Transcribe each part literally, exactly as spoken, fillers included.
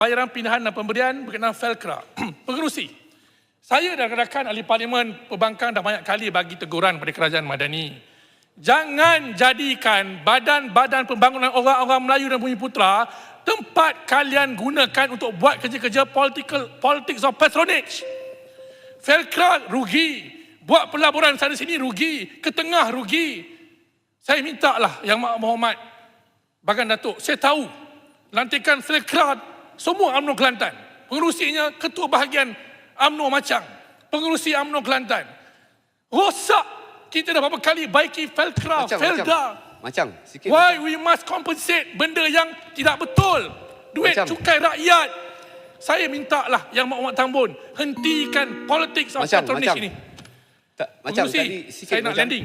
bayaran pindahan dan pemberian berkenaan Felcra. Pengerusi, saya dan rakan ahli parlimen perbankan dah banyak kali bagi teguran kepada kerajaan Madani. Jangan jadikan badan-badan pembangunan orang-orang Melayu dan Bumiputera tempat kalian gunakan untuk buat kerja-kerja political, politics of patronage. Felcra rugi, buat pelaburan sana sini rugi, ke tengah rugi. Saya minta lah Yang Berhormat Bagan Datuk, saya tahu lantikan Felcra semua UMNO Kelantan. Pengerusinya Ketua Bahagian UMNO Macang, pengerusi UMNO Kelantan. Rosak, kita dah berapa kali baiki Felcra, Macang, Felda. Macang, sikit. Why macang. we must compensate benda yang tidak betul? Duit Macam. cukai rakyat. Saya minta lah Yang Berhormat Tambun hentikan politics of Macam, patronage macam. ini. Tak, macam Pengerusi, tadi sikit saya nak macam. landing.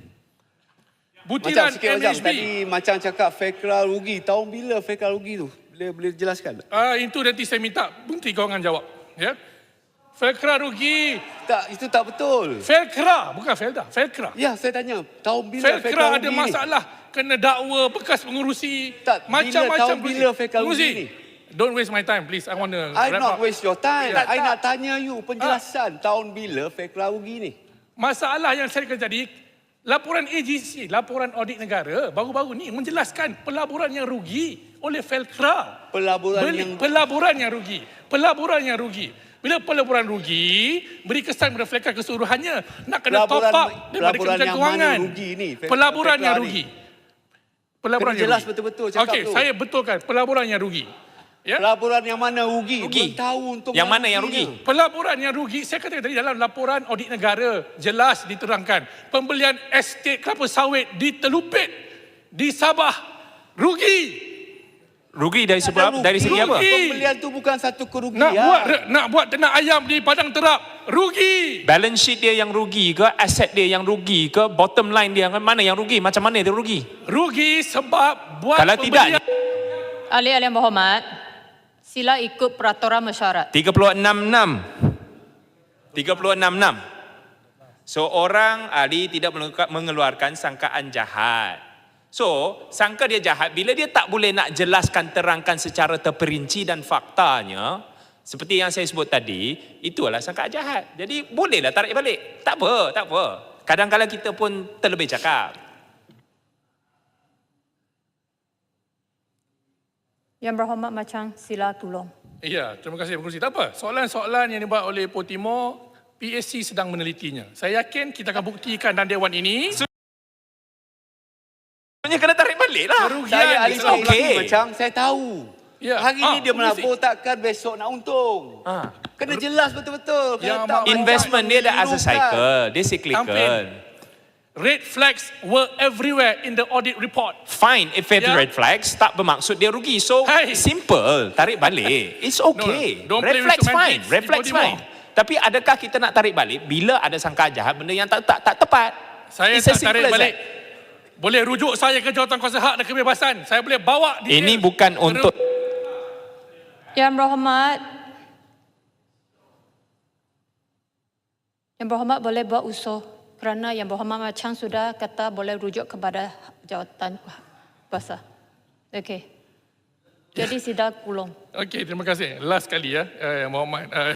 Macam Butiran sikit M macam H B. tadi macam cakap Felcra rugi. Tahun bila Felcra rugi tu? Boleh boleh jelaskan? Ah, itu nanti saya minta Menteri Kewangan jawab. Ya. Felcra rugi. Tak, itu tak betul. Felcra, bukan Felda. Felcra. Ya, saya tanya, tahun bila Felcra, Felcra ada rugi masalah. Kena dakwa bekas pengurusi. Tak, bila macam-macam tahun bila Felcra rugi ni? Don't waste my time, please. I want to ni? I not waste your time. Tak, I tak. nak tanya you penjelasan tahun bila Felcra rugi ni. Masalah yang saya kata tadi, laporan A G C, laporan audit negara, baru-baru ni menjelaskan pelaburan yang rugi oleh Felcra. Pelaburan Beli, yang Pelaburan yang rugi. Pelaburan yang rugi. Bila pelaburan rugi, beri kesan kepada Felcra keseluruhannya. Nak kena Pelaburan- top up daripada pelaburan Kementerian yang Kewangan. mana rugi ni, Fel- Pelaburan Felcra yang ni? rugi. Pelaburan Kena yang jelas rugi. betul-betul cakap Okey, tu. saya betulkan pelaburan yang rugi. Ya? Pelaburan yang mana rugi? Rugi. Belum tahu untuk Yang mana yang ruginya. rugi? Pelaburan yang rugi, saya kata tadi dalam laporan audit negara, jelas diterangkan. Pembelian estate kelapa sawit di Telupit, di Sabah, rugi. Rugi dari sebab Ada dari segi rugi. apa? Pembelian tu bukan satu kerugian. Nak buat nak buat ternak ayam di Padang Terap, rugi. Balance sheet dia yang rugi ke, aset dia yang rugi ke, bottom line dia yang mana yang rugi? Macam mana dia rugi? Rugi sebab buat Kalau tidak, Ahli-ahli yang berhormat, sila ikut peraturan mesyuarat. tiga puluh enam enam. tiga puluh enam enam. Seorang ahli tidak mengeluarkan sangkaan jahat. So, sangka dia jahat bila dia tak boleh nak jelaskan, terangkan secara terperinci dan faktanya, seperti yang saya sebut tadi, itulah sangkaan jahat. Jadi, bolehlah tarik balik. Tak apa, tak apa. Kadang-kadang kita pun terlebih cakap. Yang berhormat Macang, sila tolong. Ya, terima kasih Pengerusi. Tak apa, soalan-soalan yang dibuat oleh Poh Timur, P S C sedang menelitinya. Saya yakin kita akan buktikan dalam Dewan ini. Sebenarnya kena tarik balik lah. Kerugian Saya ahli It's okay. spekulasi macam saya tahu. Ya. Hari Ah, ni dia pengurusi. menabur takkan besok nak untung. Ah. Kena jelas betul-betul. Yang Kena tak mak- Investment dia dah as a memilukan. cycle. Dia cyclical. Campaign. Red flags were everywhere in the audit report. Fine, if it's Yeah. red flags, tak bermaksud dia rugi. So, Hey. simple, tarik balik. It's okay. No, don't Red play with flags fine, semantics. red Di flags Timur. fine. Tapi adakah kita nak tarik balik bila ada sangkaan jahat, benda yang tak tak, tak tepat? Saya It's as tak tarik simple as balik. that. Boleh rujuk saya ke Jawatankuasa Hak dan Kebebasan. Saya boleh bawa dia. Ini bukan untuk... Yang berhormat, Yang berhormat boleh buat usul kerana Yang berhormat Macang sudah kata boleh rujuk kepada jawatan kuasa. Okey. Jadi sila tolong. Okey, terima kasih. Last kali ya, eh, Muhammad. Uh,